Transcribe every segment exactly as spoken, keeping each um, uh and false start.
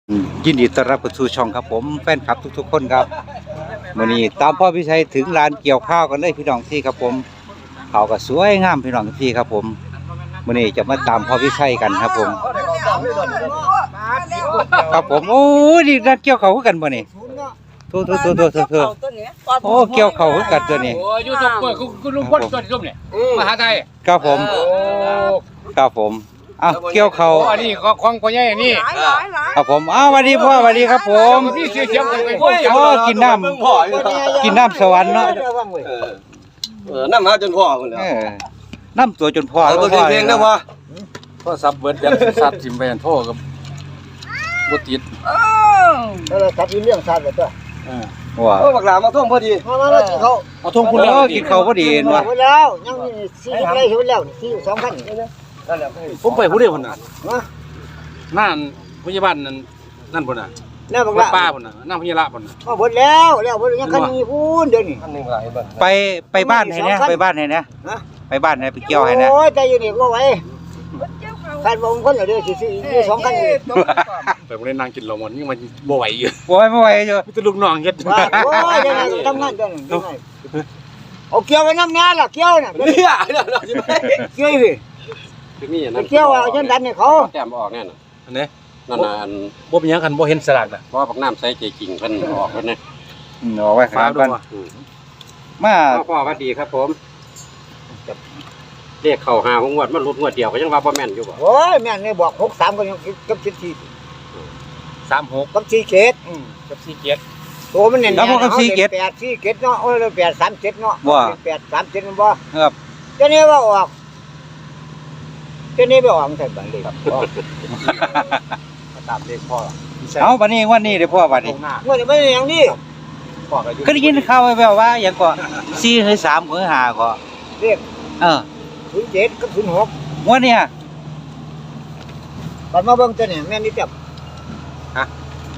ยินดีต้อนรับเข้าสู่ช่องครับผมแฟนคลับทุกๆคนครับวันนี้ตามพ่อพิชัยถึงลานเกี่ยวข้าวกันเลยพี่น้องที่ครับผมเขาก็สวยงามพี่น้องที่ครับผมวันนี้จะมาตามพ่อพิชัยกันครับผมครับผมโอ้ดีนัดเกี่ยวเขากันบ่นี่โทษโทษโทษโทษโทษโอ้เกี่ยวเขากันตัวนี้โอ้ยูทูบเบอร์คุณลุงพลตัวนี้ลุงเนี่ยมหาไทยครับผมครับผมอ้าวเกี่ยวเขาอันนี้ของพ่อใหญ่นี่ครับผมอ้าวสวัสดีพ่อสวัสดีครับผมพี่เสียเสียงกันไปโอ้กินน้ำกินน้ำสวรรค์เนาะเออน้ำหาจนพ่อคนแล้วน้ำตัวจนพ่อแล้วพ่อเพลงนะพ่อพ่อซับเบิร์ดยันซับทิมไปยันโทษกับบุตรแล้วเราทับเรื่องชาติเลยตัวว้าโอ้บักหลามาท่วงพอดีมามากินเขามาท่วงคุณแล้วกินเขาพอดีเห็นป่ะแล้วยังมีสี่ไรเห็นแล้วสี่สองพันผมไปผู้เดียวคนน่ะนั่นพยาบาลนั่นนั่นคนน่ะนั่นบักหลาป้าคนน่ะนั่นพยาบาลคนน่ะหมดแล้วแล้วยังคันมีพูนเดี๋ยวนี้ไปไปบ้านไหนเนี่ยไปบ้านไหนเนี่ยไปบ้านไหนไปเกี่ยวไหนเนี่ยโอ้ยใจอยู่นี่ก็ไหวคันบงคนเหรอเดี๋ยวสี่สี่สองคันไปผมเล่นนางกินเหล้ามันยังมันบ่ไหวอยู่บ่ไหวบ่ไหวอยู่มีแต่ลูกน้องเฮ็ดโอ้ยยังไงทำงานจังเอาเกี่ยวไปน้ำงานล่ะเกี่ยวน่ะเนี่ยเกี่ยวสิเกี่ยวเอาจนดันเนี่ยเขาแต้มออกแน่น่ะอันนี้นั่นน่ะอันบ่เป็นหยังคันบ่เห็นสลากน่ะเพราะว่าบักน้ำใส่ใจจริงเพิ่นออกเพิ่นนะอืมออกไว้ข้างกันมาพ่อสวัสดีครับผมเรียกเข้าหาของงวดมันหลุดงวดเดียวก็ยังว่าบ่แม่นอยู่บ่โอ้ยแม่นนี่บอกหกสามก็ยังกับสิบสี่สามหกกับสี่เกตกับสี่เจ็ดตัวมันเนี่ยกับสี่เกตแปดสี่เกตเนาะโอ้ยแปดสามเจ็ดเนาะแปดสามเจ็ดมันบ่ครับเจ้านี่ว่าออกเจ้านี่ไปออกใส่บัตรเลยครับตามเลขพ่อเอาบัดนี้วันนี้เด้อพ่อบัดนี้เมื่อนี้ไม่อย่างนี้ก็ได้ยินข่าวแว่วๆว่าอย่างก็สี่หรือสามหรือห้าก็เรียกเออศูนย์เจ็ดกับศูนย์หกวันนี้บัดมาเบิ่งตัวนี้แม่นี่จับฮะ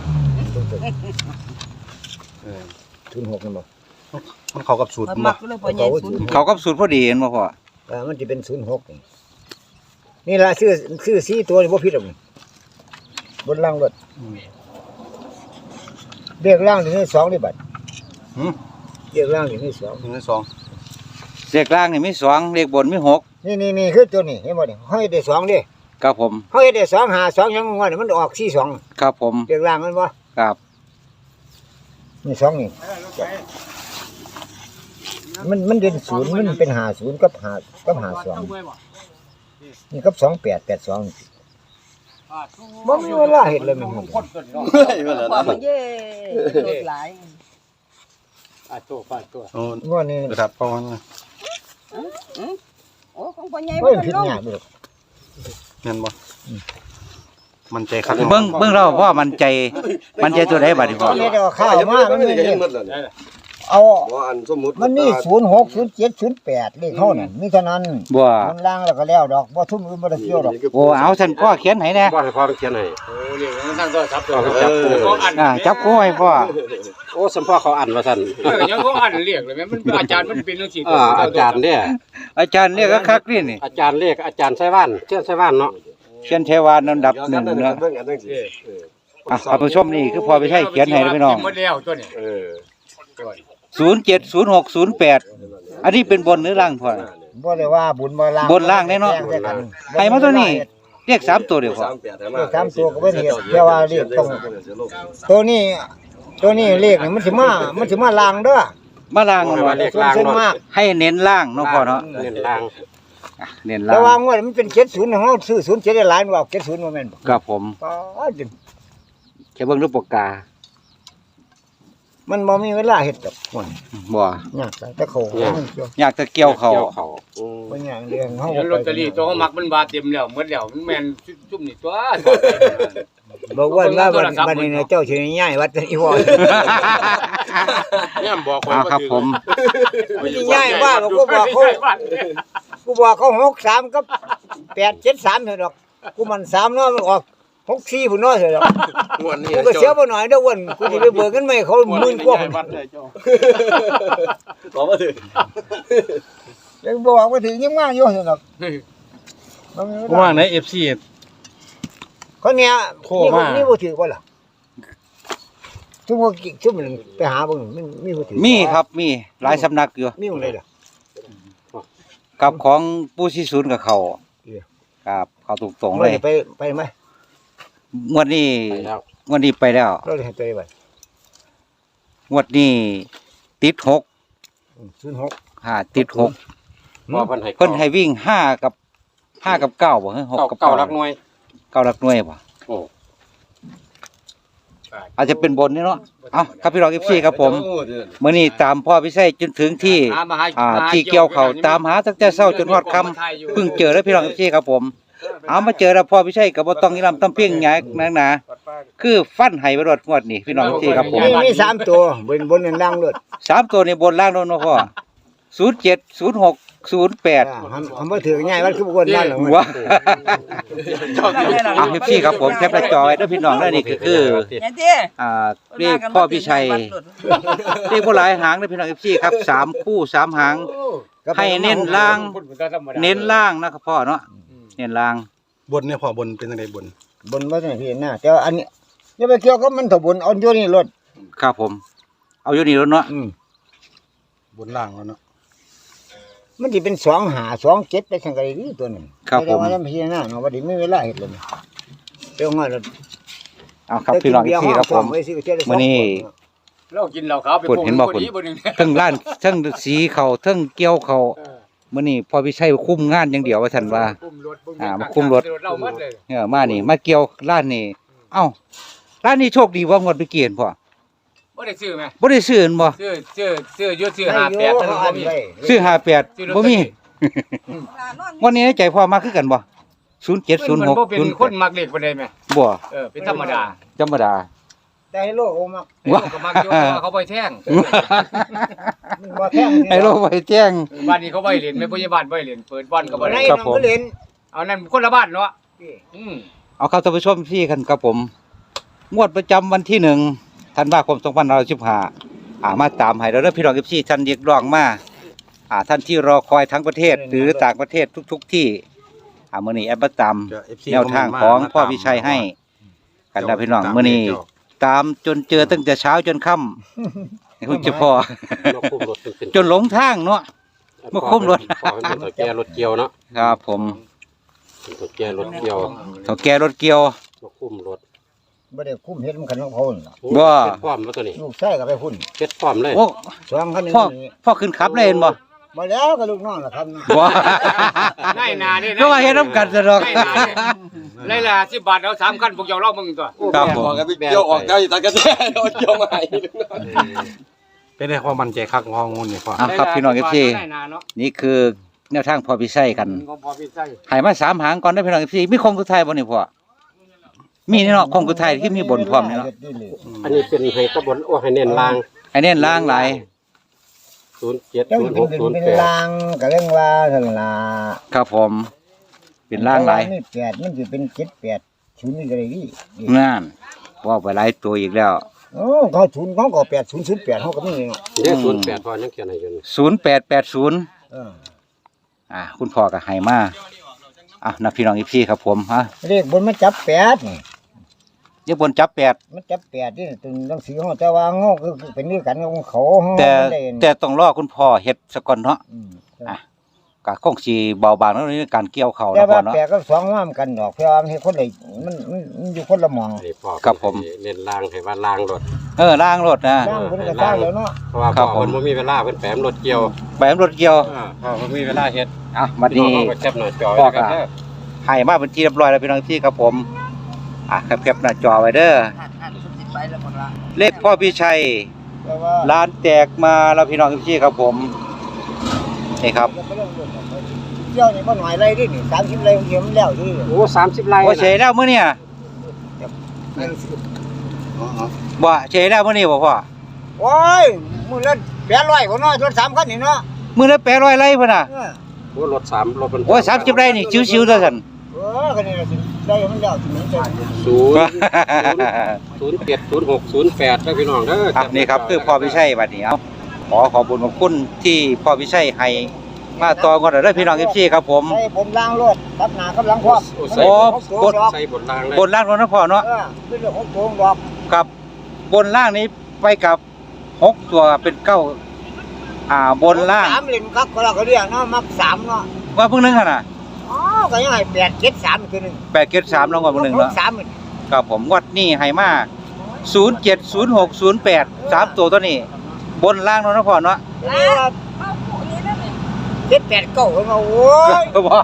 ศูนย์หกนั่นบ่มันเข้ากับสูตรบ่เข้ากับสูตรพอดีเห็นบ่พ่อเออมันสิเป็นศูนย์หกนี่นี่ล่ะชื่อชื่อสี่ตัวนี่บ่ผิดหรอกบนล่างรถเรียกล่างนี่สองนี่บัดหือเรียกล่างนี่สองนี่สองเลขล่างนี่มีสองเลขบนมีหกนี่นี่นี่คือตัวนี้เห็นบ่นี่เฮาเฮ็ดได้สองเด้ครับผมเฮาเฮ็ดได้สองหาสองยังว่ามันออกสี่สองครับผมเรียกล่างมันบ่ครับนี่สองนี่มันมันเด่นศูนย์มันเป็นห้าศูนย์กับห้ากับห้าสองนี่กับสองแปดแปดสองบ่มีเวลาเฮ็ดเลยมันเฮ้ยว่าแล้วนะเย้โดดหลายอ่ะโตฟาดตัวโอ้ว่านี่ครับพ่อนะโอ้ของพ่อใหญ่บ่ผิดหยังบ่แม่นบ่มันใจคักเบิ่งเบิ่งเราพ่อมันใจมันใจตัวใดบัดนี้พ่อนี่เดี๋ยวข้าวมามันมีเอาบ่อันสมมุติมันมีศูนย์หก ศูนย์เจ็ด ศูนย์แปดเลขเฮานั่นมีเท่านั้นบ่มันล่างแล้วก็แล้วดอกบ่ทุ่มอื่นบ่ได้เกี่ยวดอกโอ้เอาซั่นพ่อเขียนให้แน่บ่ให้พ่อเขียนให้โอ้เรียกทางโทรศัพท์ตัวจับกูอ่าจับกูให้พ่อโอ้สัมพ่อเขาอ่านว่าซั่นเออยังเขาอ่านเรียกเลยแม่มันอาจารย์มันเป็นจังซี่อ่าอาจารย์เนี่ยอาจารย์เรียกคักๆนี่นี่อาจารย์เรียกอาจารย์ไสว่านเชื่อไสว่านเนาะเขียนเทวานอันดับหนึ่งเนาะอ่ะท่านผู้ชมนี่คือพอไปใช้เขียนให้พี่น้องหมดแล้วตัวนี้เออศูนย์เจ็ด ศูนย์หก ศูนย์แปดอันนี้เป็นบนหรือล่างพ่อบ่ได้ว่าบุญบ่ล่างบนล่างแน่เนาะให้มาตัวนี้เรียกสามตัวเดียวพอเลขสามตัวก็บ่เฮ็ดแต่ว่าเลขต้องตัวนี้ตัวนี้เลขนี่มันสิมามันสิมาล่างเด้อมาล่างเนาะเลขล่างเนาะให้เน้นล่างเนาะพ่อเนาะเน้นล่างเน้นล่างแต่ว่างวดมันเป็นเจ็ดศูนย์เฮาซื้อศูนย์เจ็ดได้หลายว่าเจ็ดศูนย์บ่แม่นบ่ครับผมอ๋อจริงแค่เบิ่งรูปปากกามันบ่มีเวลาเฮ็ดดอกม่วนบ่ยากแต่เขาอยากจะเกี่ยวเขาบ่ยากเรื่องเฮาลอตเตอรี่ตัวเฮามักมันบาเต็มแล้วหมดแล้วมันแม่นซุ่มนี่ตัวบอกว่าว่าบัดนี้เจ้าสิย้ายวัดอีพ่อเนี่ยบอกคนครับผมมันสิย้ายว่ากูบอกเขากูบอกเขาหกสามกับแปดเจ็ดสามเถอะดอกกูมันสามเนาะมันออกหกสี่พุ่นเนาะเถอะดอกม่วนนี่กูก็เสียบ่หน่อยเด้ออ้วนกูสิไปเบิกเงินใหม่เขาหมื่นกว่าบอกว่าถึงยังบอกว่าถึงยังมาอยู่เถอะดอกว่าไหน เอฟ ซีคนเนี้ยนี่บ่ถือบ่ล่ะทุกคนทุกมันไปหาเบิ่งมันมีผู้ถือมีครับมีหลายสำนักอยู่มีหมดเลยล่ะกับของปู่ศรีศูนย์กับเขาเออครับเขาตรงๆเลยไปไปไหมงวดนี้ไปแล้วงวดนี้ไปแล้วเราเลยให้ไปไปงวดนี้ติดหกศูนย์หกห้าติดหกพอเพิ่นให้เพิ่นให้วิ่งห้ากับห้ากับเก้าบ่ฮะหกเก้ากับเก้าเก้ารักหน่วยเก้าหลักหน่วยบ่โอ้อาจจะเป็นบนนี่เนาะเอ้าครับพี่รอง เอฟ ซี ครับผมมื้อนี้ตามพ่อพิเศษจนถึงที่อ่าที่เกี่ยวเขาตามหาตั้งแต่เช้าจนฮอดค่ำเพิ่งเจอแล้วพี่รอง เอฟ ซี ครับผม เอามาเจอแล้วพ่อพิเศษก็บ่ต้องนิรำต้องเพียงหยังนักหนาคือฟันให้ไปรดงวดนี่พี่น้อง เอฟ ซี ครับผมมีมีสามตัวบนบนนั่งๆเลยสามตัวนี่บนล่างโดนเนาะพ่อศูนย์เจ็ด ศูนย์หก ศูนย์แปดทำทำบ่ถือง่ายมันคือบนนั่นหรอว้าอ่ะ เอฟ ซี ครับผมแคปหน้าจอไว้เด้อพี่น้องเด้อนี่ก็คือเนี่ยเด้อ่าเรียกพ่อพิชัยเรียกบ่หลายหางเด้อพี่น้อง เอฟ ซี ครับสามคู่สามหาง ให้เน้นล่าง เน้นล่างนะครับพ่อเนาะเน้นล่างบนเนี่ยพอบนเป็นจังไดบนบนว่าจังพี่น่ะแต่ว่าอันนี้อย่าไปเกี่ยวกับมันถ้าบนเอาอยู่นี่รถครับผม เอาอยู่นี่แล้วเนาะอืมบนล่างแล้วเนาะมันสิเป็นสองหาสองเจ็ดไปจังไดนี่ตัวนึงครับผมแต่ว่าพี่น่ะเนาะว่าดิไม่เวลาเฮ็ดเลยเดี๋ยวงั้นเอาครับพี่น้อง เอฟ ซี ครับผมมื้อนี้เรากินเหล้าขาวไปพูดเห็นบ่พคุณดีบ่นึงเทั้งร้านเทั้งสีเขาเทั้งเกี่ยวเขามื้อนี้พ่อพิชัยคุมงานอย่างเดียวว่าซั่นว่าคุมรถอ่ามาคุมรถเราหมดเลยเออมานี่มาเกี่ยวร้านนี่เอ้าร้านนี้โชคดีบ่งวดไปเกียนพ่อบ่ได้ซื้อไหมบ่ได้ซื้อหั่นบ่ซื้อซื้อซื้ออยู่ซื้อให้ห้าอยู่แปดแต่เขาบ่อันมีไว้ซื้อห้าแปดซื้อลอตบ่เตอรี่มีวันนี้ในใจพ่อมาคือกันบ่ศูนย์เจ็ด ศูนย์มันหกบ่เป็นคนมักเลขปานใดแม่บ่เออเป็นธรรมดาธรรมดาแต่ให้โลกโอมักว้าก็มักอยู่แต่ว่าเขาบ่แท่งมันบ่แท่งไอ้โลกไว้แจ้งบ้านนี้เขาบ่ให้เล่นแม่พยาบาลบ่ให้เล่นเปิดบ่อนก็บ่ในได้ครับน้องผมก็เล่นเอานั่นคนละบ้านเนาะอืมเอาครับท่านผู้ชมพี่กันครับผม งวดประจำวันที่หนึ่งธันวาคมสองพันห้าร้อยสิบห้าอ่ามาตามให้เราเด้อพี่น้องเอฟซีท่านเรียกร้องมาอ่าท่านที่รอคอยทั้งประเทศ หรือต่างประเทศทุก ๆ ที่อ่ามื้อนี้แอปมาตามก็ เอฟ ซีแนวทางของพ่อพิชัยให้ กันนะพี่น้องมื้อนี้ตามจนเจอตั้งแต่เช้าจนค่ำให้คุณเจ้าพ่อมาคุมรถเป็นจนหลงทางเนาะ มาคุมรถพ่อเป็นตัวแก่รถเกี่ยวเนาะครับผมเป็นตัวแก่รถเกี่ยวเฒ่าแก่รถเกี่ยวมาคุมรถบ่ได้คุ้มเฮ็ดมันคันของเขาน่ะโอ้ว่าเฮ็ดพร้อมแล้วตัวนี้ลูกชายก็ไปพุ่นเฮ็ดพร้อมเลยโอ้สองคันนึงพ่อพ่อขึ้นขับเลยเห็นบ่มาแล้วก็ลูกน้องล่ะครับบ่นายนานี่ก็ว่าเฮ็ดนำกันซะดอกนายนานี่ไล่ละสิบบาทเอาสามคันพวกเจ้าเล่ามึงตัวครับผมเกี่ยวออกได้ตะกันแท้โดนเกี่ยวใหม่เป็นได้ความมั่นใจคักงองูนี่พ่ออ่ะครับพี่น้อง เอฟ ซีนายนาเนาะนี่คือแนวทางพ่อพิชัยกันของพอพี่ใส่ให้มาสามหางก่อนได้อพี่น้อง เอฟ ซี มีคงกุไทยบ่นี่พ่อมีนี่เนาะคงกุไทยที่มีบนพร้อมนี่เนาะอันนี้เป็นให้ตะบนโอ้ให้เน้นล่างให้เน้นล่างหลายศูนย์เจ็ดเจ้าศูนย์หเป็นกศูนย์เป็นแปดลางก็เรื่องว่าซั่นล่ะครับผม เป็นล่างหลายนี่แปดมันสิเป็นเจ็ดแปดศูนย์นี่ก็ได้ดินั่นว่าไปหลายตัวอีกแล้วโอ้เขาศูนย์เขาก็แปดศูนย์ศูนย์แปดเขาก็มีเนาะเดี๋ยวศูนย์แปดพ่อยังเขียนให้อยู่นี่ศูนย์แปดแปดศูนย์เอออ่ะคุณพ่อก็ให้มาอ่ะนะพี่น้อง เอฟ ซี ครับผมฮะเลขบนมันจับแปดนี่เดี๋ยวบนจับแปดมันจับแปดนี่ตึงหนังสือเขาแต่ว่าเงาคือเป็นเรื่องกันของเขาเขาแต่ไม่ได้แต่ต้องรอคุณพ่อเฮ็ดซะก่อนเนาะอืมอ่ะ ก็คงสิเบาบางแล้วในการเกี่ยวเขาแต่นะพ่ว่าอเนาะแปดกับสองว่ามันกันดอกเพราะว่ามันเฮ็ดคนละมันมันมันอยู่คนละหมองอันนี้พ่อครับผมเน้นล่างให้ว่าล่างรถเออล่างรถนะสร้างเพิ่นก็สร้างแล้วเนาะเพราะว่าครัพ่บอผมเพิ่นบ่มีเวลาเพิ่นแปมรถเกี่ยวแบบรถเกี่ยวอ่าพ่อเพิ่นมีเวลาเฮ็ดอ่ะบัดพี่น้องนี้เอาไปแคปหน้าจอพ่อไว้กันก็เด้อให้มาเป็นที่เรียบร้อยแล้วพี่น้องที่ครับผม อ่ะแคปๆหน้าจอไว้เด้อหันหันสุดสิไปแล้วหมดละเลขพ่อพี่ชัยแต่ว่าร้านแจกมาแล้วพี่น้องที่ครับผม นี่ครับเที่ยวนี่บ่หน่อยไรดินี่สามสิบไรเดียวมันแล้วดิโอ้สามสิบไร่ว่าเฉยแล้วมื้อเนี่ยบ่เฉยแล้วมื้อนี้บ่พ่อโอ้ยมื้อละแปดร้อยกว่าเนาะรถสามคันนี่เนาะมื้อละแปดร้อยไร่พุ่นน่ะเออโอ้รถสามรถมันโอ้ยสามสิบไร่นี่ชิวๆเด้อซั่นเออคันนี้ล่ะสิได้มันแล้วสิมันจะศูนย์ศูนย์เจ็ดศูนย์หกศูนย์แปดเด้อพี่น้องเด้อครับนี่ครับคือพ่อพิชัยบัดนี้เอาขอขอบคุณขอบคุณที่พ่อพิชัยให้มาต่อก่อนเด้อพี่น้อง เอฟ ซี ครับผมใส่บนล่างรถกับหน้ากับหลังพร้อมใส่โอ้บนใส่บนรางเลยบนล่างรถนะพ่อเนาะเออเป็นเรื่องของโกงดอกครับบนล่างนี้ไปกับหกตัวเป็นเก้าอ่าบนล่างสามเล่นครับก็เราก็เรียกเนาะมักสามเนาะว่าเพิ่งนึงขนาดอ๋อก็ยังให้แปดเจ็ดสามคือหนึ่งแปดเกตสามลงกว่าเพิ่งนึงหเนาะกสามมันครับผมงวัดนี่ให้มาศูนย์เจ็ดศูนย์หกศูนย์แปดสามตัวตัวนี้ บนล่างเนาะนะพ่อเนาะเรียกว่าเจ็ดแปดเก้าเนาะโอ้ยก็บอก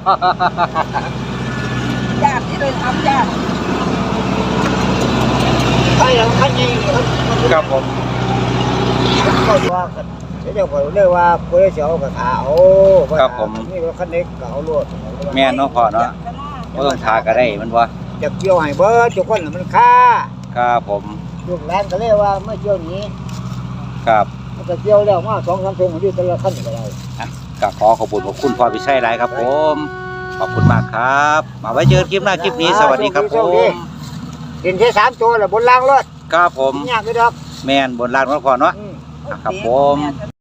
ญาติที่เลยทำญาติใครยังคันยังครับผมก็ว่ากันเดี๋ยวก็เรียกว่าผู้ได้เสียวกับขาโอ้นี่รถคันเล็กก็เอารถแม่นเนาะพ่อเนาะบ่ต้องทาก็ได้มันว่าจะเกี่ยวให้เบิดทุกคนมันค่าครับผมลูกหลานก็เรียกว่าเมื่อเกี่ยวนี้ครับมันก็เกี่ยวแล้วมาสองสามทงอยู่แต่ละคันก็ได้ก็ขอขอบคุณขอบคุณพ่อพิชัยหลายครับผมขอบคุณมากครับมาไว้เจอกันคลิปหน้าคลิปนี้สวัสดีครับผมเห็นแค่สามตัวแล้วบนล่างรถครับผมยากเลยดอกแม่นบนล่างเนาะพ่อเนาะอืมครับผม